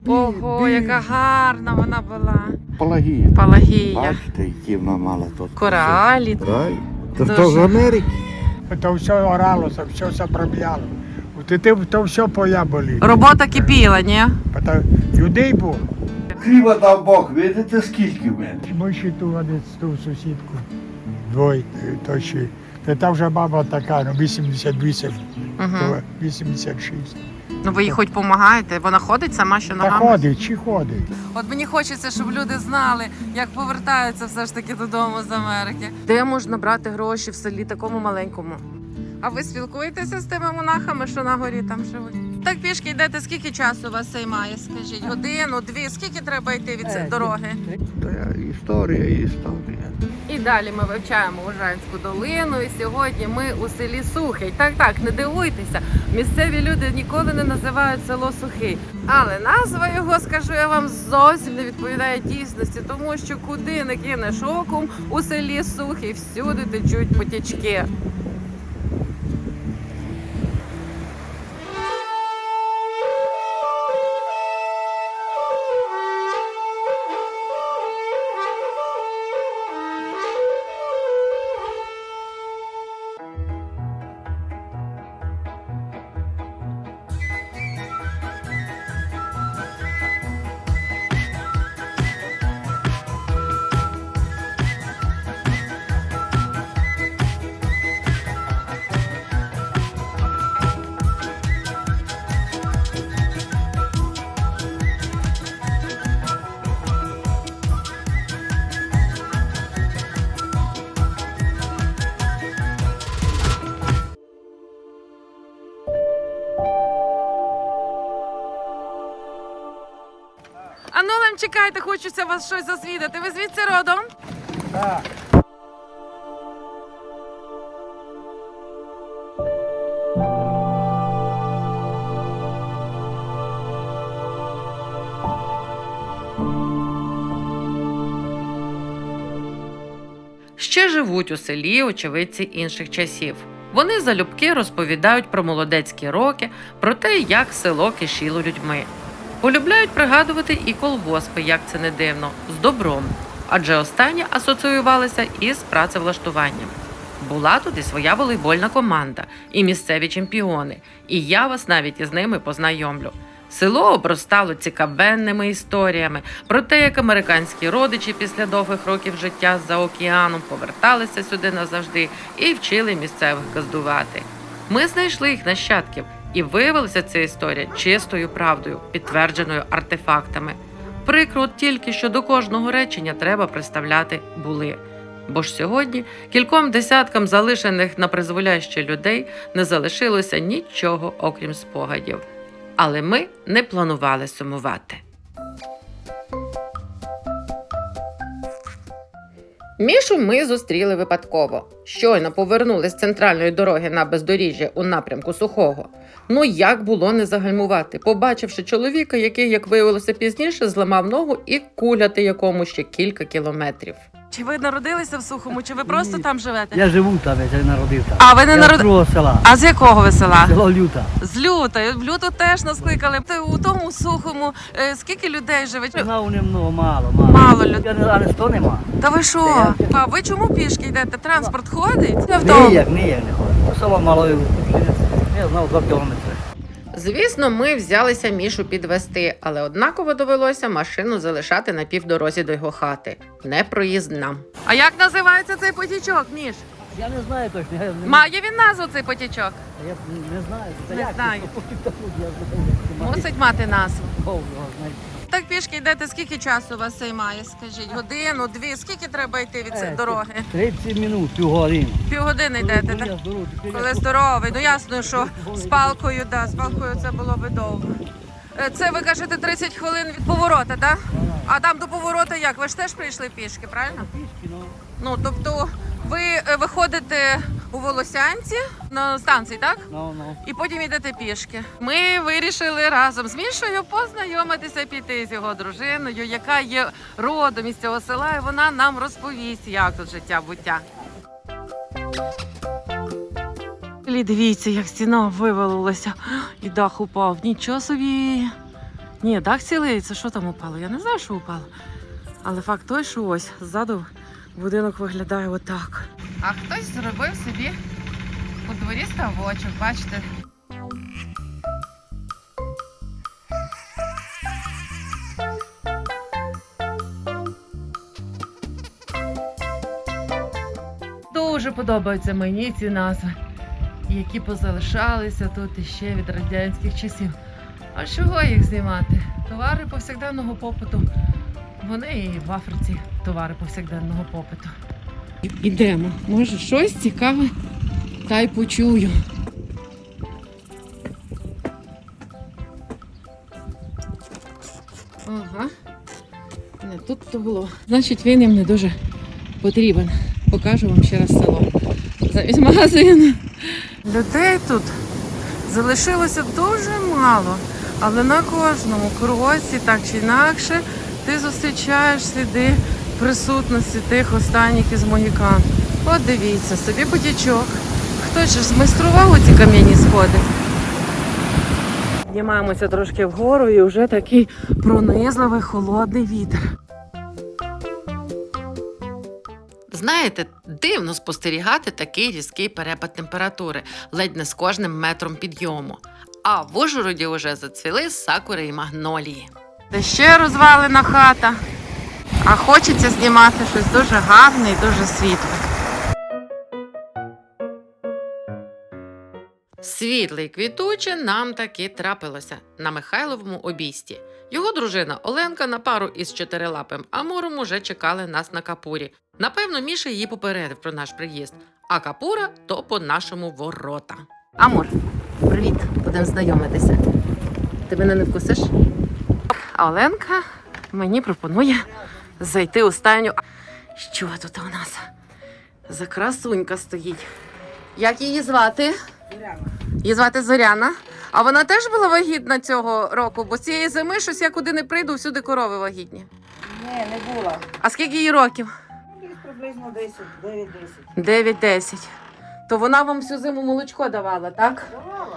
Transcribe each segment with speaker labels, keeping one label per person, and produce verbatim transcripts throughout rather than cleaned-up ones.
Speaker 1: Ого, яка гарна вона була.
Speaker 2: Палагія.
Speaker 1: Палагія.
Speaker 2: Бачите, які вона мала тут.
Speaker 1: Коралі.
Speaker 2: Кораль. Це
Speaker 1: Дуже.
Speaker 2: хто з Америки?
Speaker 3: То все оралося, все заправляло. От ти то все поля були.
Speaker 1: Робота кипіла, ні?
Speaker 3: Та людей було.
Speaker 2: Хліба дав Бог, видите, скільки в мене?
Speaker 3: Ми ще ту один ту сусідку. Двоє, то ще. Та та вже баба така, ну вісімдесят вісім,
Speaker 1: Угу.
Speaker 3: то вісімдесят шість.
Speaker 1: Ну ви їй хоч допомагаєте, вона ходить сама що
Speaker 3: Та
Speaker 1: ногами?
Speaker 3: ходить, чи ходить?
Speaker 1: От мені хочеться, щоб люди знали, як повертаються все ж таки додому з Америки. Де можна брати гроші в селі такому маленькому? А ви спілкуєтеся з тими монахами, що на горі там живуть? Так пішки йдете, скільки часу у вас займає, скажіть? Годину, дві, скільки треба йти від цієї дороги?
Speaker 2: То я історія, історія.
Speaker 1: І далі ми вивчаємо Ужанську долину, і сьогодні ми у селі Сухий. Так, так, не дивуйтеся, місцеві люди ніколи не називають село Сухий. Але назва його, скажу я вам, зовсім не відповідає дійсності, тому що куди не кинеш оком, у селі Сухий всюди течуть потічки. А ну, Лем, чекайте, хочеться вас щось засвідати. Ви звідси родом?
Speaker 3: Так.
Speaker 1: Ще живуть у селі очевидці інших часів. Вони залюбки розповідають про молодецькі роки, про те, як село кишіло людьми. Полюбляють пригадувати і колгоспи, як це не дивно, з добром, адже останні асоціювалися із працевлаштуванням. Була тут і своя волейбольна команда, і місцеві чемпіони, і я вас навіть із ними познайомлю. Село обростало цікавенними історіями про те, як американські родичі після довгих років життя за океаном поверталися сюди назавжди і вчили місцевих газдувати. Ми знайшли їх нащадків, і виявилася ця історія чистою правдою, підтвердженою артефактами. Прикро тільки, що до кожного речення треба приставляти «були». Бо ж сьогодні кільком десяткам залишених на призволяще людей не залишилося нічого, окрім спогадів. Але ми не планували сумувати. Мішу ми зустріли випадково. Щойно повернули з центральної дороги на бездоріжжя у напрямку Сухого. Ну як було не загальмувати, побачивши чоловіка, який, як виявилося пізніше, зламав ногу і куляти якому ще кілька кілометрів. Чи ви народилися в Сухому, чи ви просто
Speaker 4: Ні.
Speaker 1: там живете?
Speaker 4: Я живу там, я не народив там.
Speaker 1: А ви не
Speaker 4: Я
Speaker 1: народ...
Speaker 4: з другого села.
Speaker 1: А з якого ви села?
Speaker 4: Село Люта.
Speaker 1: З Люта. В Люту теж нас кликали. Ти у тому Сухому е, скільки людей живе?
Speaker 4: Знав немного, мало, мало.
Speaker 1: Мало людей.
Speaker 4: Я не, а не сто нема.
Speaker 1: Та ви що?
Speaker 4: Я-
Speaker 1: А ви чому пішки йдете? Транспорт ходить? Я
Speaker 4: Ніяк, ніяк не ходить. Село мало, я знав два кілометри.
Speaker 1: Звісно, ми взялися Мішу підвести, але однаково довелося машину залишати на півдорозі до його хати. Непроїзна. А як називається цей потічок, Міш?
Speaker 4: Я не знаю точно. Я не,
Speaker 1: Має він назву цей потічок?
Speaker 4: я не знаю. Та
Speaker 1: Не
Speaker 4: як
Speaker 1: знаю.
Speaker 4: це? Я знаю.
Speaker 1: Мусить мати назву.
Speaker 4: Бог його знає.
Speaker 1: Так пішки йдете, скільки часу у вас займає, скажіть? Годину, дві? Скільки треба йти від цієї
Speaker 4: Е,
Speaker 1: дороги?
Speaker 4: тридцять минут, півгодини.
Speaker 1: Півгодини йдете,
Speaker 4: Коли
Speaker 1: так?
Speaker 4: я здоровий, коли
Speaker 1: Коли
Speaker 4: я-
Speaker 1: здоровий, ну ясно, що з палкою, да, з палкою це було би довго. Е, Це ви кажете тридцять хвилин від поворота, так? А там до поворота як? Ви ж теж прийшли пішки, правильно?
Speaker 4: Пішки, ну.
Speaker 1: Ну, тобто ви е, виходите у Волосянці на станції, так?
Speaker 4: Ну, ну.
Speaker 1: І потім йдете пішки. Ми вирішили разом з Мішою познайомитися, піти з його дружиною, яка є родом із цього села, і вона нам розповість, як тут життя-буття. Дивіться, як стіна вивалилася і дах упав. Нічого собі. Ні, дах цілий, це що там упало? Я не знаю, що упало. Але факт той, що ось ззаду будинок виглядає отак. А хтось зробив собі у дворі ставочок, бачите? Дуже подобаються мені ці назви, які позалишалися тут іще від радянських часів. А чого їх знімати? Товари повсякденного попиту. Вони і в Африці товари повсякденного попиту. Ідемо. Може, щось цікаве та й почую. Ага. Не тут то було. Значить, він їм не дуже потрібен. Покажу вам ще раз село. Замість магазину. Людей тут залишилося дуже мало, але на кожному кроці, так чи інакше, ти зустрічаєш сліди присутності тих останніх із могікан. От дивіться, собі потічок. Хтось же змайстрував оці кам'яні сходи. Піднімаємося трошки вгору і вже такий пронизливий холодний вітер. Знаєте, дивно спостерігати такий різкий перепад температури, ледь не з кожним метром підйому. А в Ужгороді вже зацвіли сакури і магнолії. Де ще розвалена хата, а хочеться знімати щось дуже гарне і дуже світле. Світле і квітуче нам таки трапилося на Михайловому обійсті. Його дружина Оленка на пару із чотирилапим Амуром уже чекали нас на Капурі. Напевно, Міша її попередив про наш приїзд, а Капура – то по-нашому ворота. Амур, привіт, будемо знайомитися. Ти мене не вкусиш? А Оленка мені пропонує зайти у стайню. Що тут у нас за красунька стоїть? Як її звати?
Speaker 4: Зоряна.
Speaker 1: Її звати Зоряна. А вона теж була вагітна цього року? Бо цієї зими щось я куди не прийду, всюди корови вагітні.
Speaker 4: Ні, не була.
Speaker 1: А скільки їй років?
Speaker 4: Десь приблизно десять, дев'ять-десять.
Speaker 1: дев'ять-десять. То вона вам всю зиму молочко давала, так?
Speaker 4: Давала.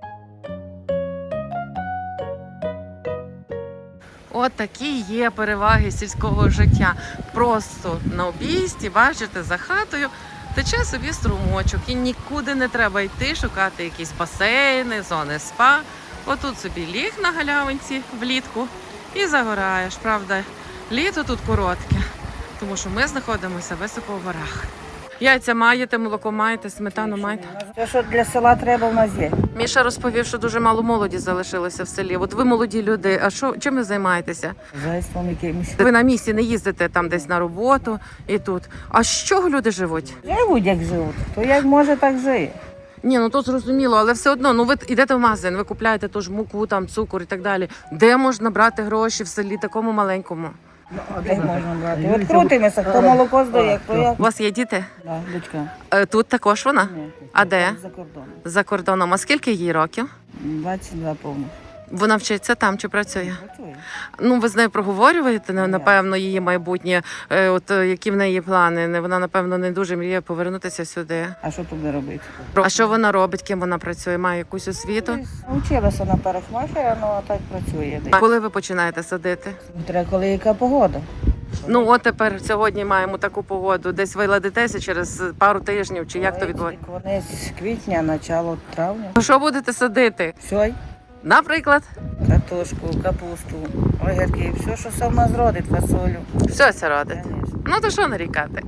Speaker 1: От такі є переваги сільського життя. Просто на обійсті, бачите, за хатою тече собі струмочок і нікуди не треба йти шукати якісь басейни, зони спа. Отут собі ліг на галявинці влітку і загораєш. Правда, літо тут коротке, тому що ми знаходимося високо в горах. Яйця маєте, молоко маєте, сметану маєте.
Speaker 4: Те, що для села треба, в нас є.
Speaker 1: Міша розповів, що дуже мало молоді залишилося в селі. От ви молоді люди, а що, чим ви займаєтеся?
Speaker 4: Зайством якимось.
Speaker 1: Ви на місці не їздите там десь на роботу і тут. А з чого люди живуть?
Speaker 4: Живуть, як живуть. То як може, так жиє.
Speaker 1: Ні, ну то зрозуміло, але все одно, ну ви йдете в магазин, ви купляєте ту ж муку, там цукор і так далі. Де можна брати гроші в селі такому маленькому?
Speaker 4: А де можна брати? От крутимося, хто молоко здає, хто як.
Speaker 1: У вас є діти?
Speaker 4: Да, дочка.
Speaker 1: Е, Тут також вона?
Speaker 4: Ні,
Speaker 1: А де?
Speaker 4: За кордоном.
Speaker 1: За кордоном. А скільки їй років?
Speaker 4: двадцять два повних.
Speaker 1: Вона вчиться там чи працює?
Speaker 4: Працює.
Speaker 1: Ну, ви з нею проговорюєте, на-
Speaker 4: Ні.
Speaker 1: напевно, її майбутнє, е, от е, які в неї плани. Не- Вона, напевно, не дуже мріє повернутися сюди.
Speaker 4: А що тут робити?
Speaker 1: А що вона робить, ким вона працює? Має якусь освіту?
Speaker 4: Училася на парикмахера, ну а так працює.
Speaker 1: А коли ви починаєте садити?
Speaker 4: Треба, коли яка погода.
Speaker 1: Ну, от тепер сьогодні маємо таку погоду. Десь виладитеся через пару тижнів, чи як то відбувається?
Speaker 4: Вони з квітня, начало травня.
Speaker 1: Що будете садити?
Speaker 4: Все,
Speaker 1: Наприклад,
Speaker 4: картошку, капусту, огірки, все, що сама зродить, фасолю.
Speaker 1: все це родить.
Speaker 4: Конечно.
Speaker 1: Ну, то що нарікати?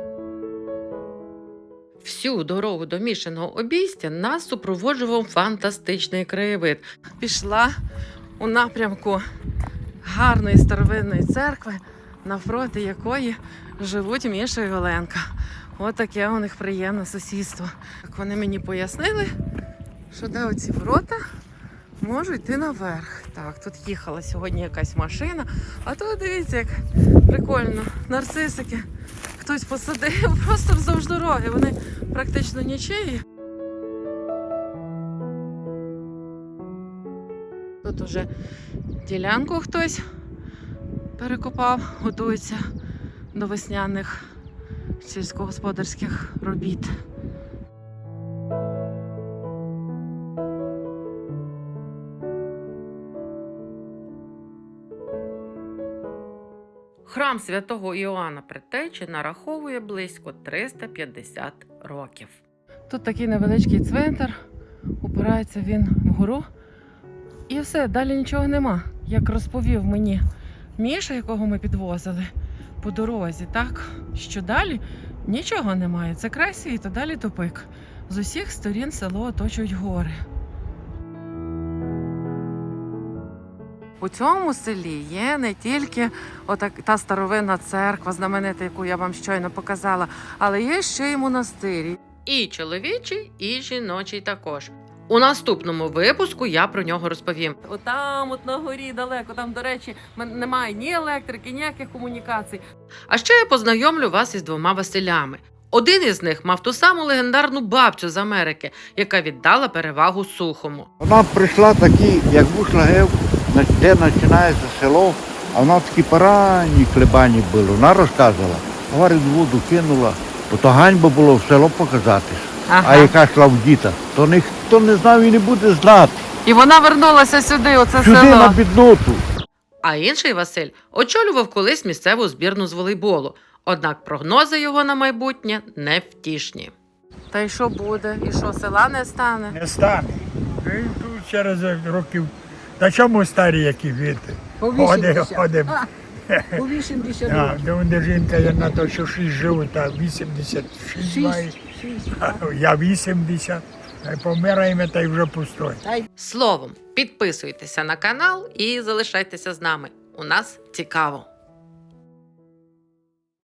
Speaker 1: Всю дорогу до Мішиного обійстя нас супроводжував фантастичний краєвид. Пішла у напрямку гарної старовинної церкви, навпроти якої живуть Міша і Оленка. От таке у них приємне сусідство. Так вони мені пояснили, що де оці ворота можу йти наверх. Так, тут їхала сьогодні якась машина, а тут дивіться, як прикольно. Нарцисики хтось посадив просто вздовж дороги. Вони практично нічиї. Тут уже ділянку хтось перекопав, готується до весняних сільськогосподарських робіт. Храм святого Іоанна Предтечі нараховує близько триста п'ятдесят років. Тут такий невеличкий цвинтар, упирається він вгору. І все, далі нічого нема. Як розповів мені Міша, якого ми підвозили по дорозі, так, що далі нічого немає. Це край світу, далі тупик. З усіх сторін село оточують гори. У цьому селі є не тільки отак, та старовинна церква, знаменита, яку я вам щойно показала, але є ще й монастирі. І чоловічий, і жіночий також. У наступному випуску я про нього розповім. Отам, от на горі далеко, там, до речі, немає ні електрики, ніяких комунікацій. А ще я познайомлю вас із двома Василями. Один із них мав ту саму легендарну бабцю з Америки, яка віддала перевагу Сухому.
Speaker 2: Вона прийшла такі, як вийшла гев, де починається село, а вона такі поранні хлебані були. Вона розказувала, говорить, воду кинула, бо то ганьба було в село показати.
Speaker 1: Ага.
Speaker 2: А яка йшла в діта, то ніхто не знав і не буде знати.
Speaker 1: І вона вернулася сюди, у це
Speaker 2: Сюди
Speaker 1: село.
Speaker 2: на бідноту.
Speaker 1: А інший Василь очолював колись місцеву збірну з волейболу. Однак прогнози його на майбутнє невтішні. Та й що буде? І що, села не стане?
Speaker 3: Не стане. І тут через років. Та чому старі, які віти?
Speaker 5: По
Speaker 3: Ходимо,
Speaker 5: вісімдесят.
Speaker 3: ходимо.
Speaker 5: По вісімдесят
Speaker 3: А,
Speaker 5: років.
Speaker 3: де вони жінка, я на то, що шість живуть, а вісімдесят шість має.
Speaker 5: Шість. Шість.
Speaker 3: А я вісімдесят. Та й помираємо, та й вже пустой.
Speaker 5: Та й
Speaker 1: Словом, підписуйтеся на канал і залишайтеся з нами. У нас цікаво.